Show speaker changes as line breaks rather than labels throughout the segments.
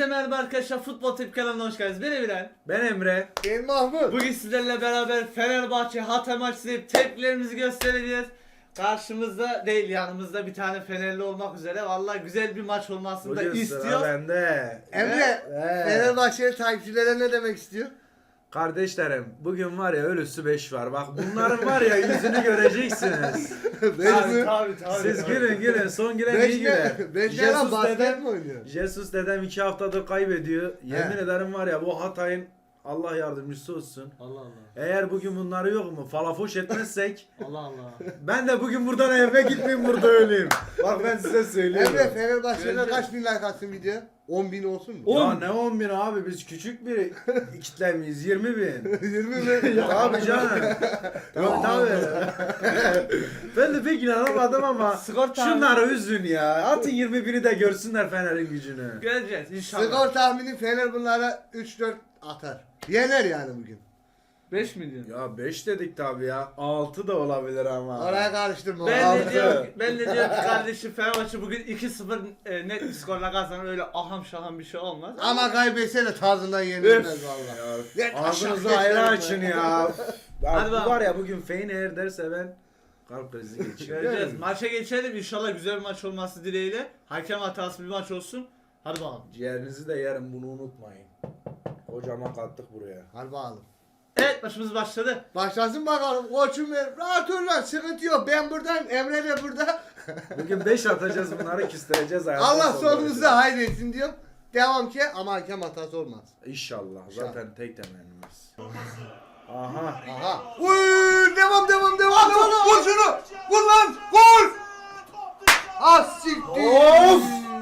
merhaba arkadaşlar, Futbol Tip kanalına hoş geldiniz. Ben Emirhan.
Ben Emre.
Ben Mahmut.
Bugün sizlerle beraber Fenerbahçe Hatay maçı izleyip tepkilerimizi göstereceğiz. Karşımızda değil, yanımızda bir tane Fenerli olmak üzere. Vallahi güzel bir maç olmasını da
Bugün sıra
istiyor.
bende.
Emre, Fenerbahçe'li takipçilere ne demek istiyor?
Kardeşlerim, bugün var ya ölüsü 5 var. Bak bunların var ya yüzünü göreceksiniz.
Tabii.
Siz gülün son gülen iyi güler.
Beş ne lan, basket mi oynuyor?
Jesus dedem 2 haftadır kaybediyor. Yemin ederim var ya bu Hatay'ın Allah yardımcısı olsun.
Allah Allah.
Eğer bugün bunları yok mu falafoş etmezsek
Allah Allah.
ben de bugün buradan eve gitmeyeyim, burada öleyim. Bak ben size söylüyorum.
Emre, Fenerbahçe'de
Göreceğiz.
kaç bin like atsın video? 10.000 olsun mu?
Ya ne 10 bin abi, biz küçük bir kitlemeyiz, 20 bin.
20 bin.
Abi canım. Yok tabii. Ben de pek inanamadım ama
Skor tahmini.
şunları üzün ya. Atın 21'i de görsünler Fener'in gücünü.
Göreceğiz inşallah.
Skor tahmini Fener bunlara 3-4 atar. Yener yani bugün.
5 milyon.
Ya 5 dedik tabii ya. 6 da olabilir ama.
Oraya karıştırma.
Ben
Altı.
de diyorum ki kardeşim, Fenerbahçe bugün 2-0 net bir skorla kazanır, öyle aham şaham bir şey olmaz.
Ama kaybetse de tarzından yenilmez valla.
Ya, ağzınızı
aşağı
ayrı
geçelim
açın
ya.
ya.
Hadi
Bu
bakalım.
var ya bugün Fener derse ben kalp krizi geçiririm.
Göreceğiz. Maça geçelim. İnşallah güzel bir maç olması dileğiyle. Hakem hatası bir maç olsun. Hadi bakalım.
Ciğerinizi de yerim, bunu unutmayın. Kocaman kattık buraya.
Hadi bakalım.
Evet, maçımız başladı.
Başlasın bakalım koçum benim. Rahat ol lan, sıkıntı yok. Ben buradayım, Emre de burada.
Bugün 5 atacağız, bunları küstüreceğiz hayattan
Allah
sonra.
sonumuza hayretsin diyorum. Devam ki ama hakem hatası olmaz.
İnşallah. Zaten tek temennimiz. Aha.
Aha. Uy, devam. Vur şunu. Vur lan. Vur. Az siktir.
Of.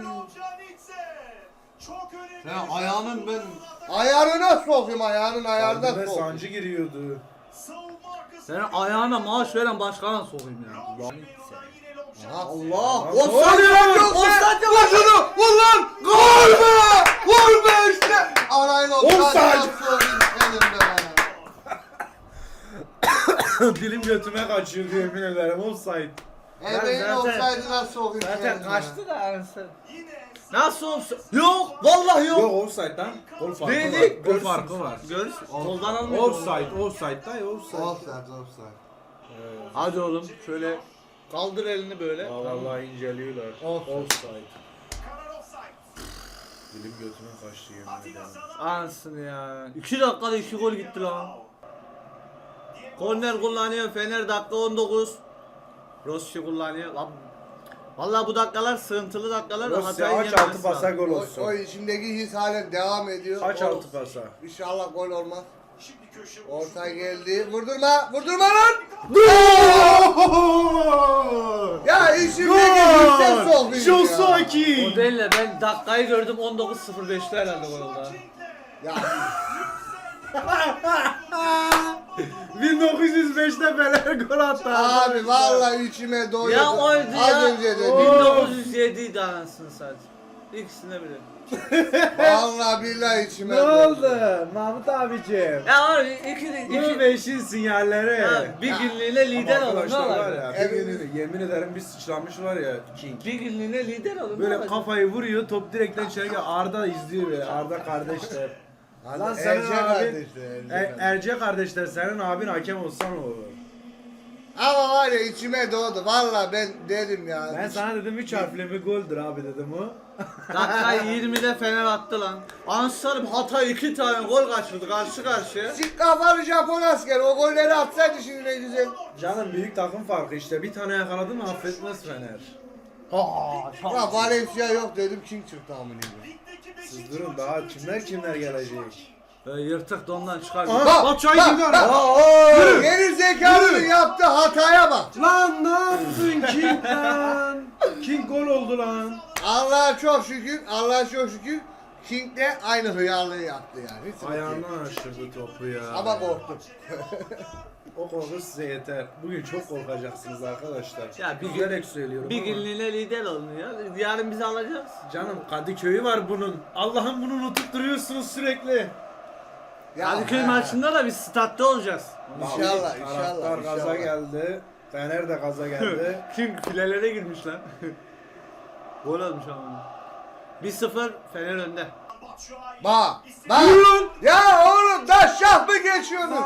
Ya ayağının ben...
Ayarına sokayım, ayağının ayarına
Kalbime
sokayım.
sancı giriyordu.
Senin ayağına maaş veren başkana sokayım ya.
Aha.
Allah!
Lan
Offside
ne
yok
oluyor?
yok. Vur şunu. Vur lan. Gol be. Vur be işte. Arayla
Offside.
sokayım senin be.
Dilim götüme kaçıyor yemin ederim. Offside.
Emeğin
zaten-
offside'ına sokayım
Zaten
senin be.
kaçtı da anasını. Nasıl olsun? Yok! Vallahi yok!
Yok offside lan. Gol farkı
Dedik.
var. Gol farkı var.
Görürsün. Soldan almıyor.
Offside dayı offside.
Offside.
Hadi oğlum şöyle kaldır elini böyle.
Vallahi inceliyorlar. Offside. Dilim götüme kaçtı yemin ederim.
Anasını ya. 2 dakikada 2 gol gitti lan. Korner kullanıyor Fener, dakika 19. Rossi kullanıyor. Lan, vallahi bu dakikalar sıkıntılı dakikalar.
Rossi
Hatay'ın
aç
yenmesi
altı pasa
lazım.
gol
O
olsun.
içimdeki his halen devam ediyor.
Aç
O-
altı pasa.
İnşallah gol olmaz. Orta geldi. Vurdurma lan. Ya içimdeki hisse sokayım ya.
Josaki.
O değil de ben dakikayı gördüm, 19.05'te herhalde gol oldu.
Ya
1905'te Fener gol attı.
abi vallahi içime doğdu.
Ya oydu
Az
ya.
önce de.
1907 idi anasını sadece. İkisine bile.
Vallahi billahi içime
Ne
doğdu.
oldu Mahmut abicim?
Ya abi iki
2005'in sinyalleri.
ya, bir günlüğüne lider
Ama
olun ne
arkadaşlar var
olacak?
ya,
Evet.
bir günlüğüne, yemin ederim bir sıçramış var ya King.
Bir günlüğüne lider olun ne
Böyle
olacak?
kafayı vuruyor, top direkten içeri geliyor. Arda izliyor böyle, Arda kardeşler. Lan senin
Erce
abin,
kardeşler,
Erce kardeşler, senin abin hakem olsa ne olur?
Ama var ya içime doğdu. Vallahi ben dedim ya.
Ben sana dedim 3 harfli bir goldür abi dedim o.
Dakika 20'de Fener attı lan. Ansarım Hatay 2 tane gol kaçırdı karşı karşıya.
Sik kafalı Japon asker o golleri atsaydı şimdi ne güzel.
Canım büyük takım farkı işte, bir tane yakaladı mı affetmez Fener.
Ya Valencia yok dedim, King çıktı amına.
Siz durun daha kimler gelecek.
Yırtık dondan çıkar.
Aha Batshuayi
bak,
girdi
bak.
araya.
Geri zekalının yaptığı hataya bak.
Lan ne yaptın King lan? King gol oldu lan.
Allah'a çok şükür King de aynı hıyarlığı yaptı yani. Hiç sıkıntı yok.
Ayağından aşırdı topu ya.
Ama korktum.
O korku size yeter. Bugün çok korkacaksınız arkadaşlar.
Ya bir gün-
Üzülerek söylüyorum
Bir
ama.
günlüğüne lider olun ya. Yarın bizi alacağız.
Canım Kadıköy'ü var bunun. Allah'ım bunu unutup duruyorsunuz sürekli.
Ya,
Kadıköy
he.
maçında da biz statta olacağız.
İnşallah,
Taraftar gaza
inşallah.
geldi. Fener de gaza geldi.
Kim filelere girmiş lan. Gol olmuş ama. 1-0 Fener önde.
Bak. Bak. Ya oğlum da şah mı geçiyorsun?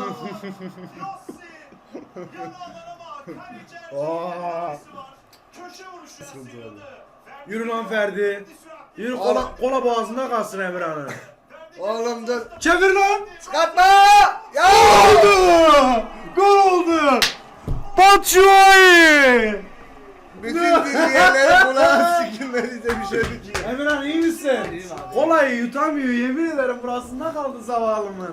Yürü lan Ferdi. Yürü kola boğazında kalsın Emirhan'ın.
Oğlum dur.
Çevir lan.
Çıkartma. Ya.
Oldu. Gol oldu. Batshuayi.
Bütün dinleyenleri kulağı sikilmeli de bir şey diyor.
Emirhan iyi misin?
İyiyim abi.
Kolayı yutamıyor yemin ederim burasında kaldı zavallımın.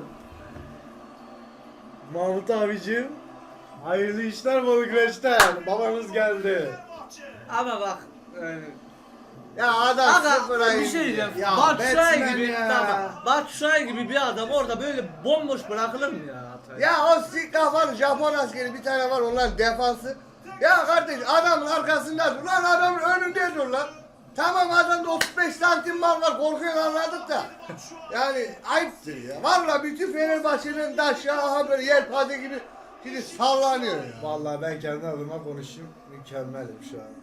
Mahmut abicim. Hayırlı işler bol güreşler. Babanız geldi.
Ama bak yani,
Ya adam
aga
sıfıra
bir
indi.
şey diyeceğim.
Ya
Batshuayi
Batman
gibi
ya.
tamam. Batshuayi gibi bir adam orada böyle bomboş bırakılır mı ya Hatay?
Ya o sik kafalı Japon askeri bir tane var onların defansı. Ya kardeş adamın arkasında dur lan adamın önünde dur lan. Tamam adamda 35 santim var korkuyor anladık da. Yani ayıptır ya. Valla bütün Fenerbahçe'nin taşı aha böyle yelpaze gibi şimdi sallanıyor ya.
Vallahi ben kendi adıma konuşayım. Mükemmelim şu an.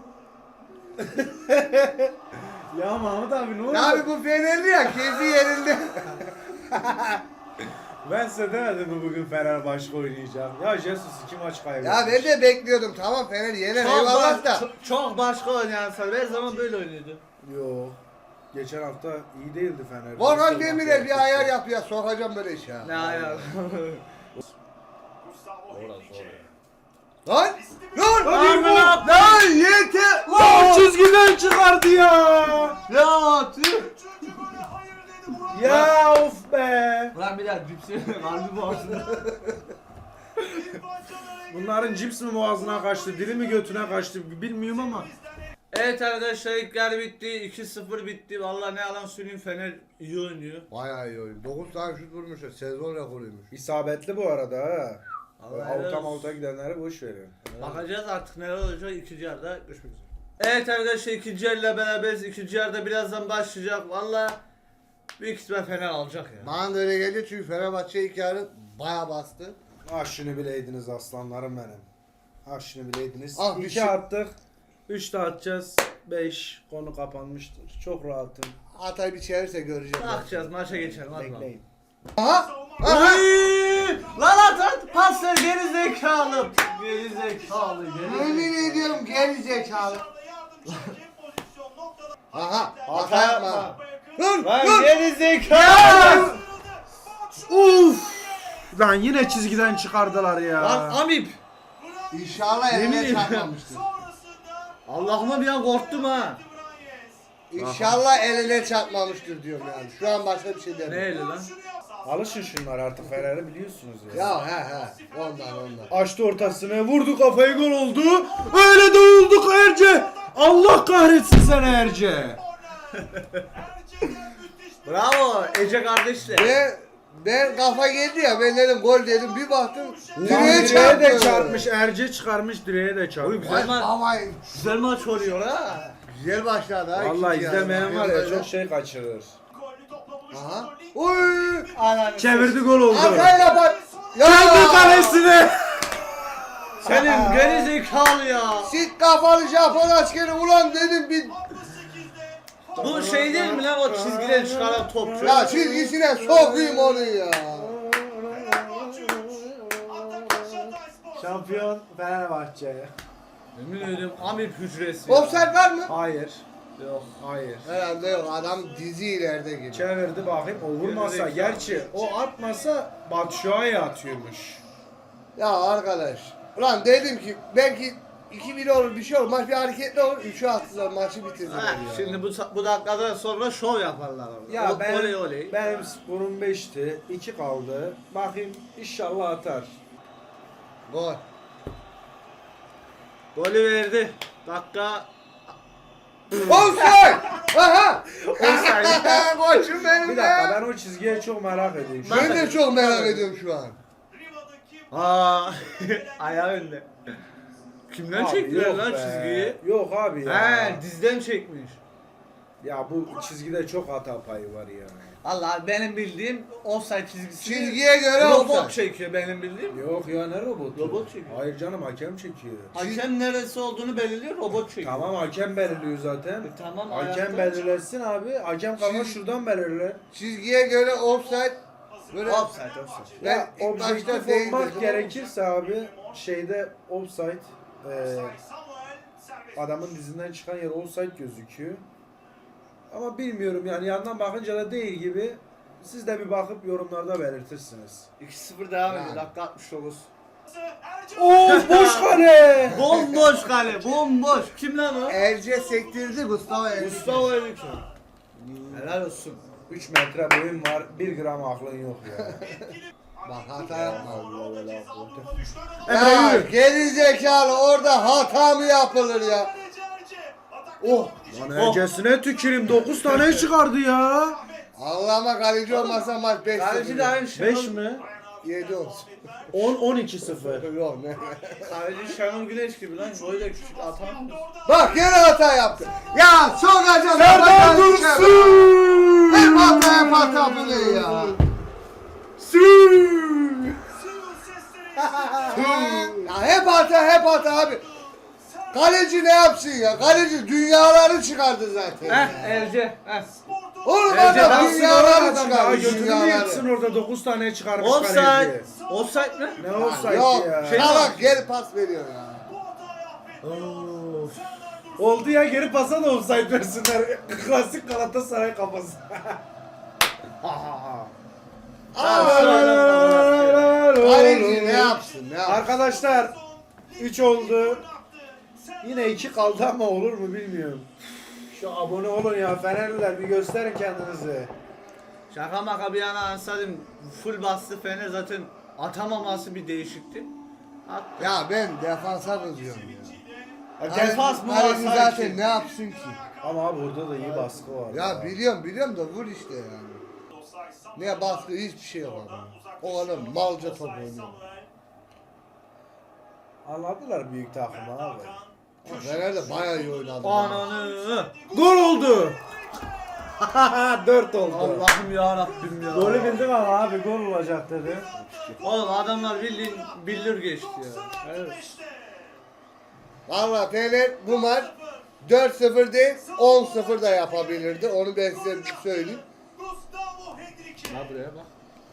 Ya Mahmut abi ne oldu?
Ya abi bu Fenerli ya keyfi yerinde.
Ben size demedim mi bugün Fenerbahçe oynayacağım? Ya Jesus 2 maç kaybetti.
Ya ben de bekliyordum tamam Fener yener eyvallah da.
Çok başka oynayan sana her zaman böyle oynuyordu.
Yo. Geçen hafta iyi değildi Fener.
Volkan Demirel bir ayar yapıyor sokacağım böyle iş ya.
Ne ayar.
Lan! Lan!
Lan!
Lan yeter!
Lan çizgiden çıkardı ya.
Ya tüh.
Ya of be.
Ulan bir daha cipsi harbi boğazında.
Bunların cips mi boğazına kaçtı, dili mi götüne kaçtı bilmiyorum ama.
Evet arkadaşlar ilk yarı bitti. 2-0 bitti. Vallahi ne yalan söyleyeyim Fener iyi oynuyor.
Bayağı iyi oyun. 9 tane şut vurmuşlar. Sezon rekoruymuş.
İsabetli bu arada ha.
Allah
Avuta
helal
mavuta gidenleri boş verin.
Bakacağız artık neler olacak ikinci yarıda görüşmek üzere. Evet arkadaşlar ikinci yarıyla beraberiz. İkinci yarıda birazdan başlayacak. Vallahi büyük ihtimal Fener alacak ya.
Bana da öyle geldi çünkü Fenerbahçe ilk yarı bayağı bastı.
Ah şunu bileydiniz aslanlarım benim. Ah şunu bileydiniz.
Ah,
2
bir şey-
attık. 3 de atacağız. 5 konu kapanmıştır. Çok rahatım.
Hatay bir çevirse göreceğim.
Bakacağız maça geçelim hadi bakalım.
Bekleyin.
Aha! Aha!
Lan at pas ver geri zekalı. Geri zekalı
Yemin ediyorum geri zekalı. Aha! Hata
Hata
yapma.
yapma.
Dur!
Lan
Dur!
geri zekalı.
Uf! Lan yine çizgiden çıkardılar ya.
Lan Amip.
İnşallah
Yemin
eline
ediyorum.
çarpmamıştır.
Allah'ıma bir an korktum ha.
İnşallah eline çarpmamıştır diyorum yani. Şu an başka bir şey
Ne
demiyorum.
eli lan?
Alışın şunlar artık Fener'i biliyorsunuz ya.
Ya he. Ondan.
Açtı ortasını, vurdu kafayı, gol oldu. Öyle de olduk Erce. Allah kahretsin seni Erce.
Bravo Ece kardeşler.
Ben kafa geldi ya ben dedim gol dedim bir baktım
Direğe
çarptı.
de çarpmış, Erce çıkarmış, direğe de çarpmış.
Güzel maç.
Ama
Güzel maç oluyor ha.
güzel başladı ha.
Vallahi
ikinci
izlemeyen
yarı.
var ya
Böyle-
çok şey kaçırır.
Aha. Oy!
Ananı
Çevirdi, gol oldu.
Arkayla bak. Ya!
Kendi kalesine.
Senin geri zekalı ya.
Sit kafalı Japon askeri ulan dedim bir
Bu şey değil mi lan o çizgiden çıkaran topçu?
ya çizgisine sokayım onu ya.
Şampiyon Fenerbahçe.
Yemin ediyorum Amip hücresi.
Offside var mı?
Hayır.
Yok.
Hayır.
Herhalde yok adam dizi ileride gibi.
Çevirdi bakayım, o vurmasa gerçi o atmasa Batshuayi atıyormuş.
Ya arkadaş. Ulan dedim ki belki 2-1 olur bir şey olur. Maç bir hareketli olur. 3'ü attılar maçı bitirdiler
Ha,
ya.
şimdi bu dakikadan sonra şov yaparlar.
Ya ben,
oley oley.
benim skorum 5'ti, 2 kaldı. Bakayım inşallah atar.
Gol.
Golü verdi. Dakika.
Offside! Aha!
Offside.
Koçum benim
Bir dakika,
be.
ben o çizgiye çok merak ediyorum.
Ben de çok merak ediyorum şu an.
Aa, ayağı önde. Kimden
Abi
çektiler
yok
lan
be.
çizgiyi?
Yok abi ya.
He, dizden çekmiş.
Ya bu çizgide çok hata payı var ya.
Allah benim bildiğim offside çizgisi.
Çizgiye göre
robot
offside.
çekiyor benim bildiğim.
Yok ya ne robotu?
Robot çekiyor.
Hayır canım hakem çekiyor.
Hakem neresi olduğunu belirliyor, robot çekiyor.
Tamam hakem belirliyor zaten.
Tamam,
Hakem
ayakta.
belirlesin abi. Hakem kalma şuradan belirler.
Çizgiye göre offside. Böyle
Offside.
Ben
Ya
ilk başta
objektif
değil
olmak
dedim
gerekirse abi şeyde offside adamın dizinden çıkan yer offside gözüküyor. Ama bilmiyorum yani yandan bakınca da değil gibi. Siz de bir bakıp yorumlarda belirtirsiniz.
2-0 devam
Yani.
ediyor. Dakika 69.
Oo boş kale.
Bomboş kale, bomboş. Kim lan o?
Erce sektirdi Gustavo Erce.
Gustavo Henrique. Helal olsun.
3 metre boyun var, 1 gram aklın yok ya.
Bak hata yapma.
Emre
Ya
yürü.
geri zekalı orada hata mı yapılır ya?
Oh.
Lan ercesine tüküreyim 9 tane çıkardı ya.
Allah'ıma kaleci olmasa maç 5-0.
Kaleci de aynı şey.
5 mi?
7 olsun.
10-12-0.
Yok ne?
Kaleci Şenol Güneş gibi lan. Boyu da küçük atan.
Bak gene hata yaptı. Ya sokacağım.
Serdar Dursun.
Hep hata bu ne ya? Ya hep hata abi. Kaleci ne yapsın ya? Kaleci dünyaları çıkardı zaten. ya.
Erce. Heh.
Oğlum
Erce
adam
nasıl
dünyaları
Adam daha
çıkardı.
götünü mü yetsin orada 9 tane çıkarmış
Offside.
kaleci.
Offside mi?
Ne offside
Yok.
ya?
Salak geri pas veriyor ya.
Of. Oldu ya geri pasa da offside versinler. Klasik Galatasaray kafası.
Kaleci ne yapsın? Ne yapsın?
Arkadaşlar 3 oldu. Yine 2 kaldı ama olur mu bilmiyorum. Şu abone olun ya Fenerliler bir gösterin kendinizi.
Şaka maka bir yana ansadım. Full bastı Fener zaten atamaması bir değişikti. Attı.
Ya ben defansa kızıyorum ya.
Defans mı
Kaleci
var
zaten
sanki?
ne yapsın ki?
Ama abi burada da iyi baskı var.
Ya biliyorum da vur işte yani. Ne baskı hiçbir şey yok adam. O adam malca top oynuyor.
Anladılar büyük takımı abi.
Fener de bayağı iyi oynadı.
Ananı.
Gol oldu. 4 oldu.
Allah'ım ya Rabbim ya.
Golü bildim ama abi gol olacak dedi.
Oğlum adamlar bildiğin bildir geçti ya. Evet.
Valla Fener bu maç 4-0 değil 10-0 da yapabilirdi. Onu ben size söyleyeyim.
Ha buraya bak.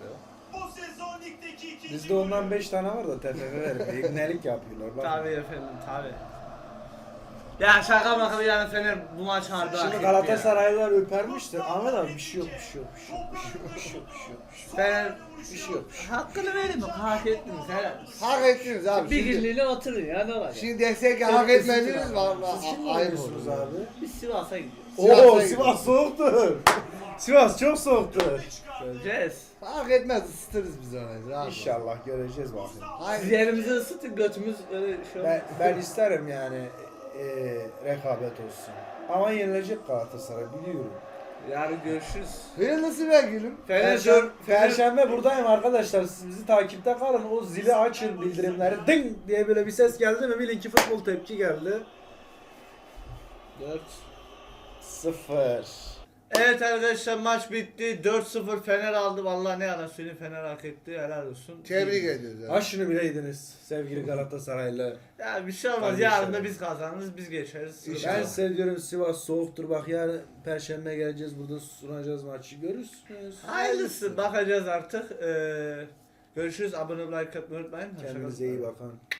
Bizde ondan 5 tane var da TFF vermiyor. İbnelik yapıyorlar. Bak.
Tabii efendim tabii. Ya şaka maka bir yana Fener bu maç harbi hak
Şimdi
etti
Galatasaraylılar öpermiştir. Ahmet abi bir şey yok, bir şey yok, bir şey yok, bir şey yok, bir şey yok, bir şey yok,
ya. Fener
bir şey yok, bir şey yok.
hakkını verin bak hak ettiniz helal.
Hak ettiniz abi.
Bir
Şimdi,
günlüğüne oturun ya ne var ya.
şimdi desek ki hak etmediniz valla
Siz kimle
ayıp
oynuyorsunuz
olur.
abi?
Biz Sivas'a gidiyoruz.
Sivas'a
Oo
gidiyor.
Sivas soğuktur. Sivas çok soğuktur.
Göreceğiz.
Hak etmez ısıtırız biz onu. rahat ol.
İnşallah göreceğiz bakayım.
Siz
Hayır.
yerimizi ısıtın götümüz öyle şey olmaz.
Ben isterim yani rekabet olsun. Ama yenilecek Galatasaray biliyorum.
Yarın görüşürüz.
Hayırlısı be gülüm.
Perşembe buradayım arkadaşlar. Siz bizi takipte kalın. O zili açın bildirimleri. Ding diye böyle bir ses geldi mi bilin ki futbol tepki geldi. 4-0.
Evet arkadaşlar maç bitti. 4-0 Fener aldı. Vallahi ne yalan söyleyeyim Fener hak etti. Helal olsun.
Tebrik ediyoruz.
Ha şunu bileydiniz sevgili Galatasaraylı.
Ya bir şey olmaz.
Kardeşlerim.
Yarın da biz kazanırız. Biz geçeriz.
Ben size diyorum Sivas soğuktur. Bak yarın Perşembe geleceğiz burada sunacağız maçı görürsünüz.
Hayırlısı. Bakacağız artık. Görüşürüz. Abone olmayı, like atmayı unutmayın. Hoşça kalın.
Kendinize iyi bakın.